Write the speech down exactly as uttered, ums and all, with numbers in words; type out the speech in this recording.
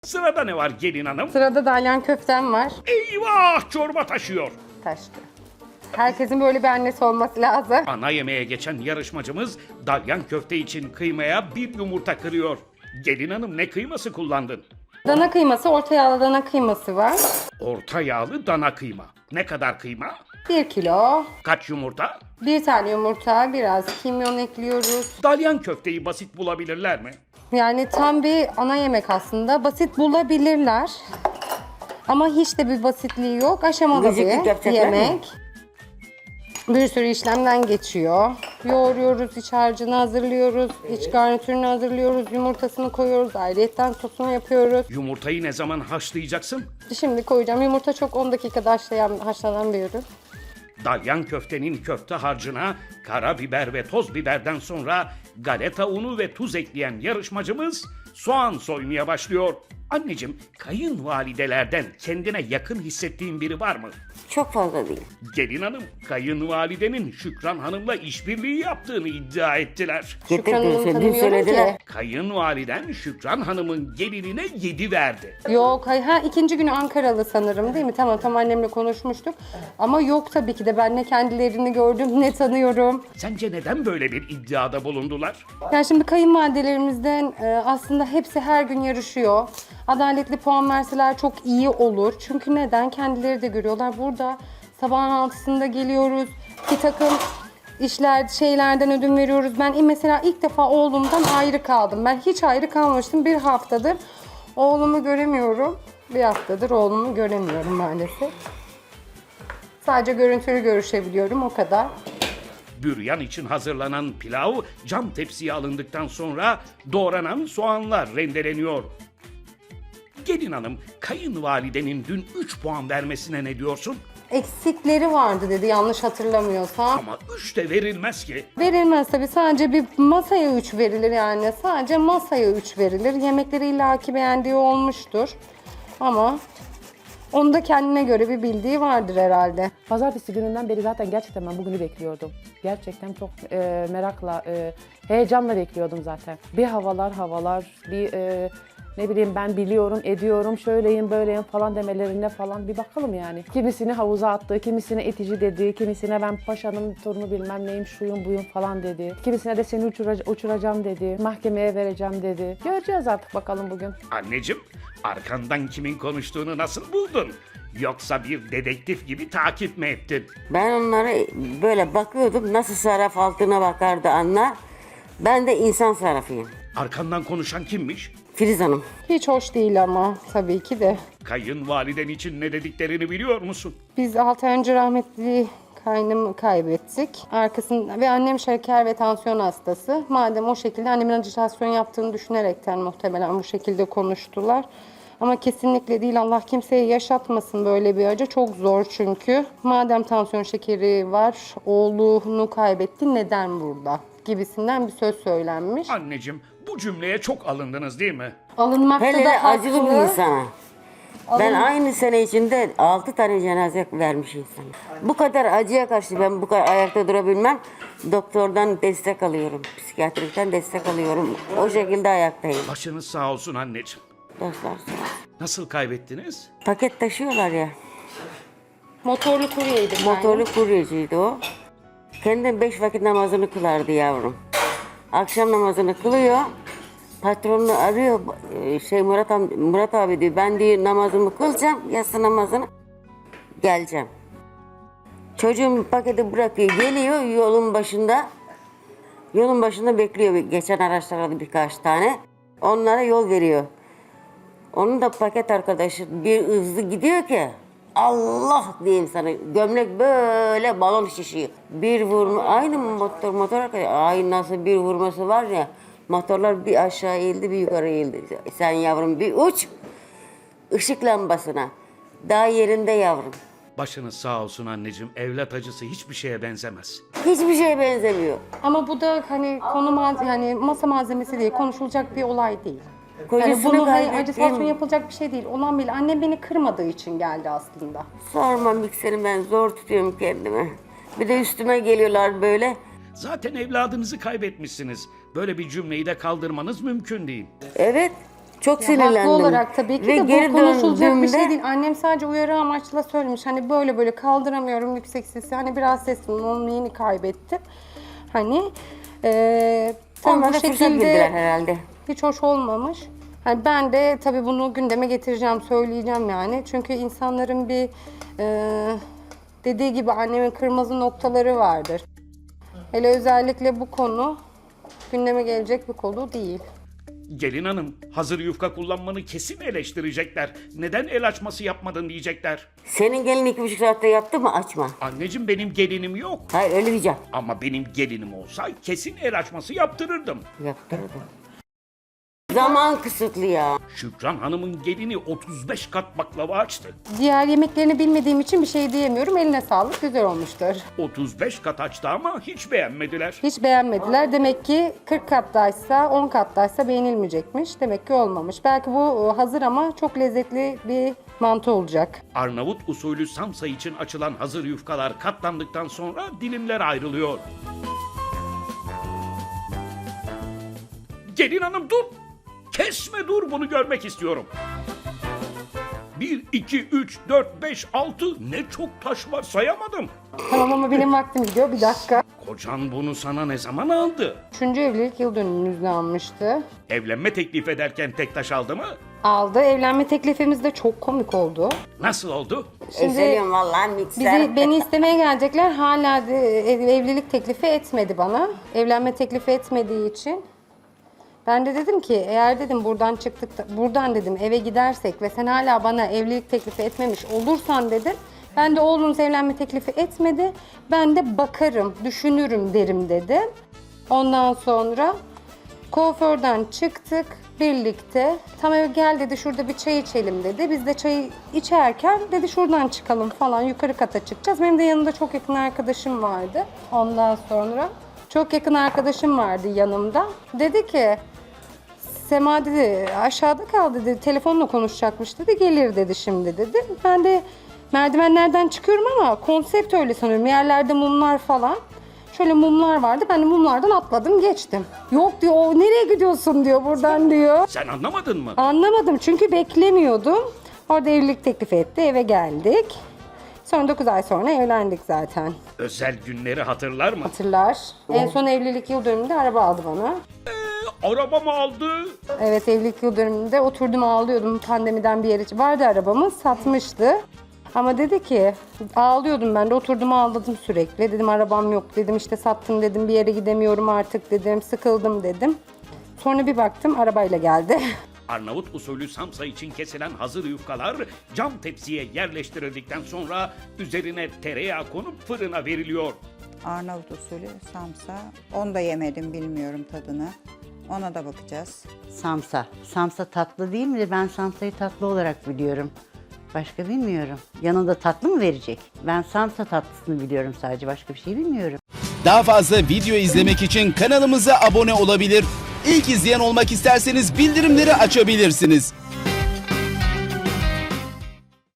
Sırada ne var gelin hanım? Sırada dalyan köftem var. Eyvah, çorba taşıyor. Taştı. Herkesin böyle bir annesi olması lazım. Ana yemeğe geçen yarışmacımız dalyan köfte için kıymaya bir yumurta kırıyor. Gelin hanım, ne kıyması kullandın? Dana kıyması, orta yağlı dana kıyması var. Orta yağlı dana kıyma. Ne kadar kıyma? Bir kilo. Kaç yumurta? Bir tane yumurta, biraz kimyon ekliyoruz. Dalyan köfteyi basit bulabilirler mi? Yani tam bir ana yemek aslında. Basit bulabilirler. Ama hiç de bir basitliği yok. Aşamalı Gıcıklık bir yapacaklar mı? yemek. Bir sürü işlemden geçiyor. Yoğuruyoruz, iç harcını hazırlıyoruz, iç garnitürünü hazırlıyoruz, yumurtasını koyuyoruz, ayrıyetten sosunu yapıyoruz. Yumurtayı ne zaman haşlayacaksın? Şimdi koyacağım. Yumurta çok on dakikada haşlayan, haşlanan bir ürün. Dalyan köftenin köfte harcına karabiber ve toz biberden sonra galeta unu ve tuz ekleyen yarışmacımız soğan soymaya başlıyor. Anneciğim, kayınvalidelerden kendine yakın hissettiğin biri var mı? Çok fazla değil. Gelin hanım, kayınvalidenin Şükran Hanım'la işbirliği yaptığını iddia ettiler. Şükran Hanım'ı Getirdim, dün tanımıyorum söylediler. ki. Kayınvaliden Şükran Hanım'ın gelinine yedi verdi. Yok, hayır. Ha, ikinci günü Ankaralı sanırım değil mi? Tamam, tam annemle konuşmuştuk. Ama yok tabii ki de ben ne kendilerini gördüm ne tanıyorum. Sence neden böyle bir iddiada bulundular? Yani şimdi kayınvalidelerimizden e, aslında hepsi her gün yarışıyor. Adaletli puan verseler çok iyi olur. Çünkü neden? Kendileri de görüyorlar. Burada sabahın altısında geliyoruz. Bir takım işler, şeylerden ödün veriyoruz. Ben mesela ilk defa oğlumdan ayrı kaldım. Ben hiç ayrı kalmamıştım. Bir haftadır oğlumu göremiyorum. Bir haftadır oğlumu göremiyorum maalesef. Sadece görüntülü görüşebiliyorum, o kadar. Büryan için hazırlanan pilav cam tepsiye alındıktan sonra doğranan soğanlar rendeleniyor. Gelin hanım, kayınvalidenin dün üç puan vermesine ne diyorsun? Eksikleri vardı dedi yanlış hatırlamıyorsam. Ama üç de verilmez ki. Verilmez tabii, sadece bir masaya üç verilir yani. Sadece masaya üç verilir. Yemekleri illaki beğendiği olmuştur. Ama onun da kendine göre bir bildiği vardır herhalde. Pazartesi gününden beri zaten gerçekten ben bugünü bekliyordum. Gerçekten çok e, merakla, e, heyecanla bekliyordum zaten. Bir havalar havalar, bir e, ne bileyim ben biliyorum, ediyorum, şöyleyim, böyleyim falan demelerine falan bir bakalım yani. Kimisini havuza attı, kimisine itici dedi, kimisine ben paşanın torunu bilmem neyim, şuyum buyum falan dedi. Kimisine de seni uçura- uçuracağım dedi, mahkemeye vereceğim dedi. Göreceğiz artık bakalım bugün. Anneciğim, arkandan kimin konuştuğunu nasıl buldun? Yoksa bir dedektif gibi takip mi ettin? Ben onlara böyle bakıyordum. Nasıl sarraf altına bakardı anla. Ben de insan sarrafıyım. Arkandan konuşan kimmiş? Filiz Hanım. Hiç hoş değil ama tabii ki de. Kayınvaliden için ne dediklerini biliyor musun? Biz altı ay önce rahmetli kaynımı kaybettik. Arkasında ve annem şeker ve tansiyon hastası. Madem o şekilde annemin ajitasyon yaptığını düşünerekten muhtemelen bu şekilde konuştular. Ama kesinlikle değil, Allah kimseye yaşatmasın böyle bir acı. Çok zor çünkü. Madem tansiyon şekeri var, oğlunu kaybetti, neden burada? Gibisinden bir söz söylenmiş. Anneciğim, bu cümleye çok alındınız değil mi? Alınmakta Hele de da acılı bir haklı. insana. Ben aynı sene içinde altı tane cenaze vermiş insanım. Bu kadar acıya karşı ben bu kadar ayakta durabilmem. Doktordan destek alıyorum. Psikiyatrikten destek alıyorum. O şekilde ayaktayım. Başınız sağ olsun anneciğim. Dostlar sağ olsun. Nasıl kaybettiniz? Paket taşıyorlar ya. Motorlu kuryeydi. Motorlu kuryeciydi o. Kendi beş vakit namazını kılardı yavrum. Akşam namazını kılıyor. Patronunu arıyor. e, Şey Murat, am- Murat abi diyor. Ben diyor namazımı kılacağım. Yatsı namazını. Geleceğim. Çocuğum paketi bırakıyor. Geliyor yolun başında. Yolun başında bekliyor. Geçen araçlar aldı birkaç tane. Onlara yol veriyor. Onun da paket arkadaşı bir hızlı gidiyor ki Allah diyeyim sana, gömlek böyle balon şişiyor. Bir vurma, aynı motor motor arkadaşı, ay nasıl bir vurması var ya, motorlar bir aşağı eğildi bir yukarı eğildi. Sen yavrum bir uç ışık lambasına, daha yerinde yavrum. Başınız sağ olsun anneciğim. Evlat acısı hiçbir şeye benzemez. Hiçbir şeye benzemiyor. Ama bu da hani konu malze- yani masa malzemesi değil, konuşulacak bir olay değil. Yani Kocasını bunu hani kaybettiğim- ajitasyon yapılacak bir şey değil. Olan bile annem beni kırmadığı için geldi aslında. Sorma mikseri, ben zor tutuyorum kendimi. Bir de üstüme geliyorlar böyle. Zaten evladınızı kaybetmişsiniz. Böyle bir cümleyi de kaldırmanız mümkün değil. Evet, Çok Ya sinirlendim. haklı olarak tabii ki Ve de bu geri konuşulacak bir şey döndüğümde- değil. Annem sadece uyarı amaçlı söylemiş. Hani böyle böyle kaldıramıyorum yüksek sesi. Hani biraz sesim onu yeni kaybettim. Hani eee tabii Onlar bu da fırsat şekilde bildiler herhalde. hiç hoş olmamış. Hani ben de tabii bunu gündeme getireceğim, söyleyeceğim yani. Çünkü insanların bir eee, dediği gibi annemin kırmızı noktaları vardır. Hele özellikle bu konu gündeme gelecek bir konu değil. Gelin hanım, hazır yufka kullanmanı kesin eleştirecekler. Neden el açması yapmadın diyecekler. Senin gelin iki buçuk saatte yaptı mı? Açma. Anneciğim benim gelinim yok. Hayır öyle diyeceğim. Ama benim gelinim olsa kesin el açması yaptırırdım. Yaptırdım. Zaman kısıtlı ya. Şükran Hanım'ın gelini otuz beş kat baklava açtı. Diğer yemeklerini bilmediğim için bir şey diyemiyorum. Eline sağlık, güzel olmuştur. otuz beş kat açtı ama hiç beğenmediler. Hiç beğenmediler. Demek ki kırk kattaysa, on kattaysa beğenilmeyecekmiş. Demek ki olmamış. Belki bu hazır ama çok lezzetli bir mantı olacak. Arnavut usulü samsa için açılan hazır yufkalar katlandıktan sonra dilimler ayrılıyor. Gelin hanım dur! Kesme dur, bunu görmek istiyorum. bir, iki, üç, dört, beş, altı ne çok taş var sayamadım. Tamam ama benim vaktim gidiyor. Bir dakika. Kocan bunu sana ne zaman aldı? Üçüncü evlilik yıl dönümümüzde almıştı. Evlenme teklif ederken tek taş aldı mı? Aldı. Evlenme teklifimiz de çok komik oldu. Nasıl oldu? Şimdi Ezeliyorum vallahi mikser. Bizi, beni istemeye gelecekler. Hala de ev- evlilik teklifi etmedi bana. Evlenme teklifi etmediği için. Ben de dedim ki eğer dedim buradan çıktık da- buradan dedim eve gidersek ve sen hala bana evlilik teklifi etmemiş olursan dedim. Ben de oğlunuz evlenme teklifi etmedi. Ben de bakarım, düşünürüm derim dedim. Ondan sonra kuaförden çıktık birlikte. Tam eve gel dedi, şurada bir çay içelim dedi. Biz de çayı içerken dedi şuradan çıkalım falan, yukarı kata çıkacağız. Benim de yanımda çok yakın arkadaşım vardı. Ondan sonra çok yakın arkadaşım vardı yanımda. Dedi ki Sema dedi aşağıda kal dedi, telefonla konuşacakmış dedi, gelir dedi şimdi dedi. Ben de merdivenlerden çıkıyorum ama konsept öyle sanıyorum, yerlerde mumlar falan. Şöyle mumlar vardı, ben de mumlardan atladım geçtim. Yok diyor, o nereye gidiyorsun diyor, buradan diyor. Sen anlamadın mı? Anlamadım çünkü beklemiyordum. Orada evlilik teklifi etti, eve geldik. Sonra dokuz ay sonra evlendik zaten. Özel günleri hatırlar mı? Hatırlar. En son evlilik yıl dönümünde araba aldı bana. Araba mı aldı? Evet, evlilik yıl dönümünde oturdum ağlıyordum. Pandemiden bir yere vardı arabamız, satmıştı. Ama dedi ki ağlıyordum, ben de oturdum ağladım sürekli. Dedim arabam yok dedim, işte sattım dedim, bir yere gidemiyorum artık dedim, sıkıldım dedim. Sonra bir baktım arabayla geldi. Arnavut usulü samsa için kesilen hazır yufkalar cam tepsiye yerleştirildikten sonra üzerine tereyağı konup fırına veriliyor. Arnavut usulü samsa. Onu da yemedim, bilmiyorum tadını. Ona da bakacağız. Samsa. Samsa tatlı değil midir? Ben samsayı tatlı olarak biliyorum. Başka bilmiyorum. Yanında tatlı mı verecek? Ben samsa tatlısını biliyorum sadece. Başka bir şey bilmiyorum. Daha fazla video izlemek için kanalımıza abone olabilir. İlk izleyen olmak isterseniz bildirimleri açabilirsiniz.